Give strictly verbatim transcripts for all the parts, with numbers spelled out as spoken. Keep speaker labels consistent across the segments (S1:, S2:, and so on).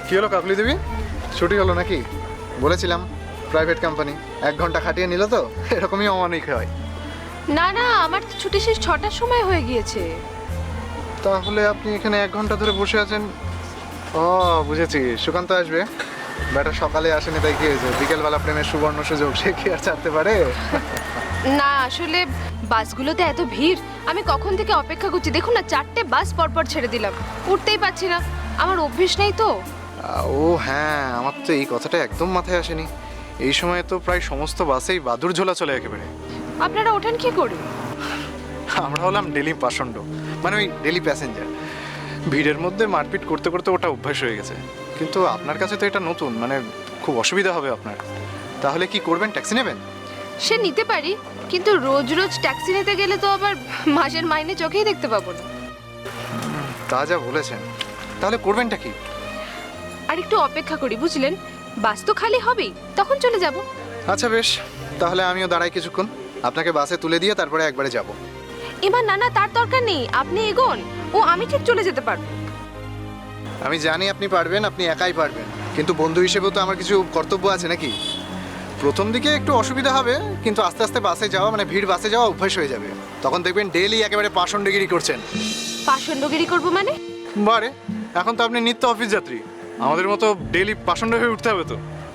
S1: কি হলো কাকলি দেবী, ছুটি হলো নাকি? বলেছিলাম প্রাইভেট কোম্পানি, এক ঘন্টা খাটিয়ে নিল তো, এরকমই অমানিক হয়।
S2: না না, আমার তো ছুটি শেষ ছটার সময় হয়ে গিয়েছে।
S1: তাহলে আপনি এখানে এক ঘন্টা ধরে বসে আছেন? ও বুঝেছি, সুকান্ত আসবে। ব্যাটা সকালে আসেনি তাই কি হয়েছে? বিকেলবেলা প্রেমের সুবর্ণ সুযোগ, সে কি আর ছাড়তে পারে?
S2: না আসলে বাসগুলোতে এত ভিড়, আমি কখন থেকে অপেক্ষা করছি। দেখুন না, চারটে বাস পরপর ছেড়ে দিলাম, উঠতেই পারছি না। আমার অভ্যেস নেই তো।
S1: ও হ্যাঁ, আমার তো এই কথাটা একদম মাথায় আসেনি। এই সময় তো প্রায় সমস্ত বাসেই বাদুর ঝোলা চলে একেবারে।
S2: আপনারা ওঠেন কি করে?
S1: আমরা হলাম ডেলি পাষণ্ড, মানে ওই ডেলি প্যাসেঞ্জার। ভিড়ের মধ্যে মারপিট করতে করতে ওটা অভ্যাস হয়ে গেছে। কিন্তু আপনার কাছে তো এটা নতুন, মানে খুব অসুবিধা হবে আপনার। তাহলে কি করবেন, ট্যাক্সি নেবেন?
S2: সে নিতে পারি, কিন্তু রোজ রোজ ট্যাক্সি নিতে গেলে তো আবার মাসের মাইনে চোখেই দেখতে পাবো না।
S1: তা যা বলেছেন। তাহলে করবেনটা কি?
S2: আর একটু অপেক্ষা করি, বুঝলেন? বাস তো খালি হবেই, তখন চলে যাব।
S1: আচ্ছা বেশ, তাহলে আমিও দাঁড়াই কিছুক্ষণ, আপনাকে বাসে তুলে দিয়ে তারপরে একবারে যাব।
S2: এবার না না, তার দরকার নেই, আপনি এগোন, ও আমি ঠিক চলে যেতে পারবো।
S1: আমি জানি আপনি পারবেন, আপনি একাই পারবেন, কিন্তু বন্ধু হিসেবেও তো আমার কিছু কর্তব্য আছে নাকি? প্রথম দিকে একটু অসুবিধা হবে, কিন্তু আস্তে আস্তে বাসে যাওয়া, মানে ভিড় বাসে যাওয়া অভ্যাস হয়ে যাবে। তখন দেখবেন ডেইলি একেবারে পাষণ্ডগিরি করছেন।
S2: পাষণ্ডগিরি করবো মানে?
S1: বারে, এখন তো আপনি নিত্য অফিস যাত্রী, আমাদের মতো ডেইলি পাষণ্ড হয়ে উঠতে হবে তো।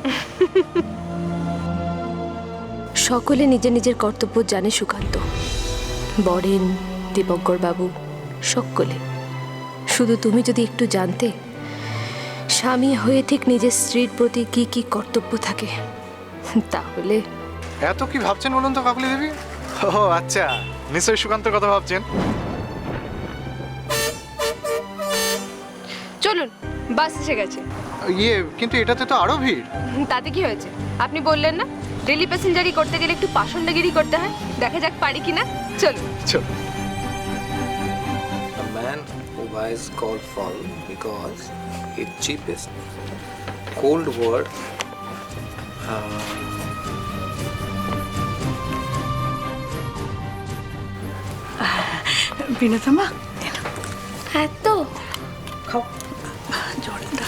S2: সকলে নিজের নিজের কর্তব্য জানে সুকান্ত, বরেন, দীপঙ্কর বাবু, সকলে। শুধু তুমি যদি একটু জানতে, স্বামী হয়ে ঠিক নিজের স্ত্রীর প্রতি কি কি কর্তব্য থাকে, তাহলে।
S1: এত কি ভাবছেন বলুন তো কাকলি দেবী? ও আচ্ছা, নিশ্চয়ই সুকান্তের কথা ভাবছেন।
S2: চলুন, বাস এসে গেছে।
S1: ইয়ে, কিন্তু এটাতে তো আরো ভিড়।
S2: তাতে কি হয়েছে? আপনি বললেন না ডেলি প্যাসেঞ্জারি করতে গেলে একটু পাষণ্ডগিরি করতে হয়। দেখা যাক পারি কিনা। চলুন
S1: চল।
S3: A man who buys cold fall because it's cheapest. Cold word. Uh,
S4: বিনোদমা
S2: হ্যাঁ তো
S4: খাও জলটা।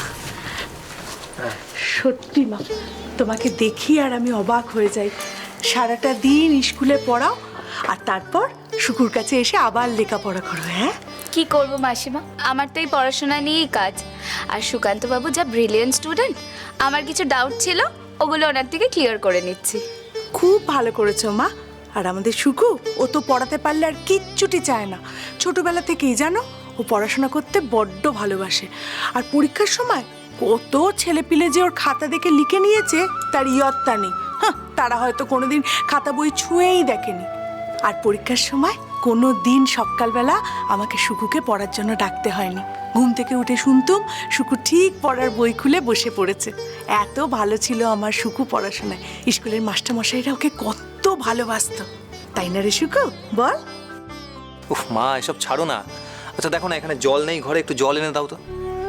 S4: সত্যি মা, তোমাকে দেখি আর আমি অবাক হয়ে যাই। সারাটা দিন স্কুলে পড়াও আর তারপর শুকুর কাছে এসে আবার লেখাপড়া করো। হ্যাঁ,
S5: কি করব মাসিমা, আমার তো এই পড়াশোনা নিয়েই কাজ। আর সুকান্ত বাবু যা ব্রিলিয়েন্ট স্টুডেন্ট, আমার কিছু ডাউট ছিল, ওগুলো ওনার থেকে ক্লিয়ার করে নিচ্ছি।
S4: খুব ভালো করেছো মা। আর আমাদের সুকু, ও তো পড়াতে পারলে আর কিচ্ছুটি চায় না। ছোটবেলা থেকেই জানো, ও পড়াশোনা করতে বড্ড ভালোবাসে। আর পরীক্ষার সময় কত ছেলেপিলে যে ওর খাতা দেখে লিখে নিয়েছে তার ইয়ত্তা নেই। হ্যাঁ, তারা হয়তো কোনোদিন খাতা বই ছুঁয়েই দেখেনি। আর পরীক্ষার সময় কোনো দিন সকালবেলা আমাকে সুকুকে পড়ার জন্য ডাকতে হয়নি। ঘুম থেকে উঠে শুনতুম সুকু ঠিক পড়ার বই খুলে বসে পড়েছে। এত ভালো ছিল আমার সুকু পড়াশোনায়। স্কুলের মাস্টারমশাইরা ওকে কত ভালোবাসতো, তাই না রে সুকু, বল?
S3: উফ মা, এসব ছাড়ো না। আচ্ছা দেখো না, এখানে জল নেই ঘরে, একটু জল এনে দাও তো।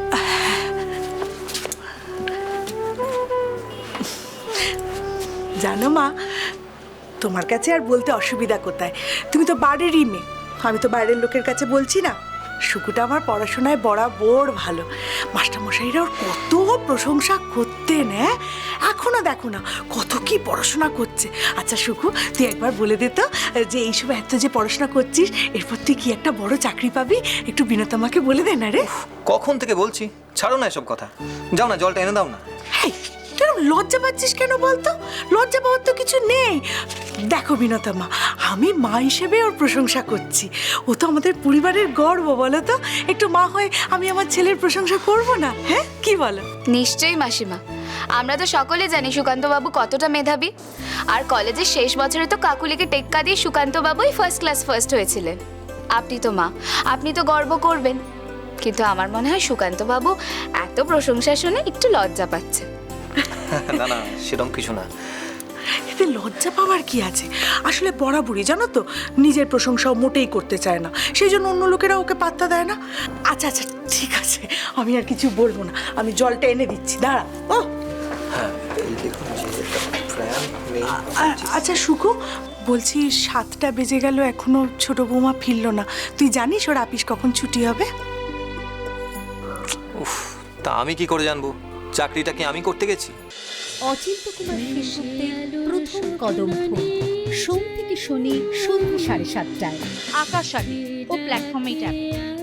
S4: জানো মা, তোমার কাছে আর বলতে অসুবিধা কোথায়? তুমি তো বাড়িরই মেয়ে, আমি তো বাইরের লোকের কাছে বলছি না। সুকুটা আমার পড়াশোনায় বরাবর ভালো। মাস্টারমশাইরা ওর কত প্রশংসা করতেন। হ্যাঁ, এখনো দেখো না কত কি পড়াশোনা করছে। আচ্ছা সুকু, তুই একবার বলে দে তো যে এইসব এত যে পড়াশোনা করছিস, এরপর তুই কি একটা বড় চাকরি পাবি? একটু বিনোদমাকে বলে দে না রে।
S3: কখন থেকে বলছি, ছাড়ো না এসব কথা। যাও না, জলটা এনে দাও না।
S4: হেই, কেন লজ্জা পাচ্ছিস কেন বলতো? লজ্জা পাওয়ার তো কিছু নেই। দেখো বিনোদমা, আমি মা হিসেবে ওর প্রশংসা করছি। ও তো আমাদের পরিবারের গর্ব, বলো তো? একটু মা হয়ে আমি আমার ছেলের প্রশংসা করব না? হ্যাঁ, কি বলো?
S5: নিশ্চয়ই মাসিমা, আমরা তো সকলে জানি সুকান্ত বাবু কতটা মেধাবী। আর কলেজের শেষ বছরে তো কাকুলিকে টেক্কা দিয়ে সুকান্ত বাবুই ফার্স্ট ক্লাস ফার্স্ট হয়েছিলেন। আপনি তো মা, আপনি তো গর্ব করবেন। কিন্তু আমার মনে হয় সুকান্ত বাবু এত প্রশংসা শুনে একটু লজ্জা পাচ্ছে।
S3: না না, সেরকম কিছু না।
S4: এতে লজ্জা পাওয়ার কি আছে? আসলে বরাবরই জানো তো, নিজের প্রশংসাও মোটেই করতে চায় না, সেই জন্য অন্য লোকেরা ওকে পাত্তা দেয় না। আচ্ছা আচ্ছা ঠিক আছে, আমি আর কিছু বলবো না, আমি জলটা এনে দিচ্ছি, দাঁড়া। ও
S3: হ্যাঁ, এই দেখুন যে একটা ফ্যান নেই।
S4: আ- আচ্ছা সুকু, বলছি সাতটা বেজে গেল, এখনো ছোট বৌমা ফিরলো না। তুই জানিস ওর আপিস কখন ছুটি হবে?
S3: উফ, তা আমি কি করে জানবো? চাকরিটা কি আমি করতে গেছি?
S6: অচিন্ত কুমার সেনগুপ্তের প্রথম কদম ফুল সোম থেকে শনি সন্ধ্যে সাড়ে সাতটায়
S7: আকাশ আগে ও প্ল্যাটফর্মেই যাবে।